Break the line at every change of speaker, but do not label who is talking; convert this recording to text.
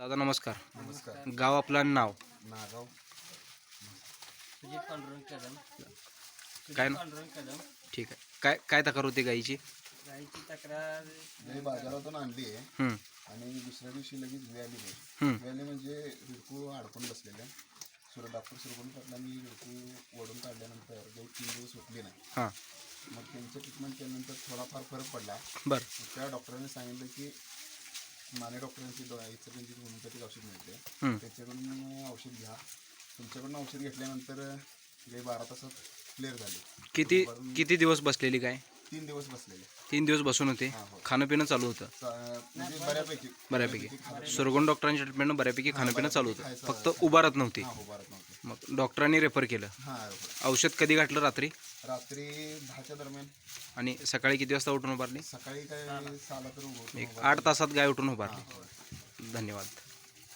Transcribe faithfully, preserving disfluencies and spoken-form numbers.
दादा नमस्कार.
नमस्कार.
गाव आपलं नाव
नागाव.
सुजित पांडुरंग कदम.
काय
सुजित
ना?
पांडुरंग कदम.
ठीक आहे. काय काय तक्रार होती गाईची?
गाईची तक्रार
गाई बाजारातून आणली आहे
हं,
आणि दुसऱ्या दिवशी लगेच व्याली आहे.
हं,
व्याली म्हणजे हिडकू अडकून बसलेल्या. सुर डॉक्टर सुरगुण पाटलांनी हिडकू ओढून काढल्यानंतर गाई तीन दिवस उठली नाही.
हां,
मग त्यांचं ट्रीटमेंट केल्यानंतर थोडाफार फरक पडला.
बरं.
मग त्या डॉक्टरांनी सांगितलं की माने डॉक्टरांची इचलकरंजी होमिओपॅथिक औषध मिळते,
हं.
त्याच्याकडून औषध घ्या. तुमच्याकडून औषध घेतल्यानंतर गाई बारा तासात क्लिअर झाली.
किती
वरून
किती दिवस बसलेली गाय?
तीन दिवस बसलेले.
तीन दिवस बसून होते.
हां, हो.
खाणं पिणं चालू होतं
चा- म्हणजे बऱ्यापैकी
बऱ्यापैकी.
खाणं-
सुरगुण डॉक्टरांच्या ट्रीटमेंटनं बऱ्यापैकी खाणं पिणं चालू होतं. फक्त उभारत नव्हती.
हा, उभारत नव्हते.
मग डॉक्टरांनी रेफर केलं.
हा,
औषध कधी घातलं? रात्री.
रात्री दहाच्या दरम्यान.
आणि सकाळी किती वाजता उठून उभारली?
सकाळी काय सहाला तर उभं-
एक
उभं-
आठ तासात गाय उठून
हा,
उभारली.
हो.
धन्यवाद.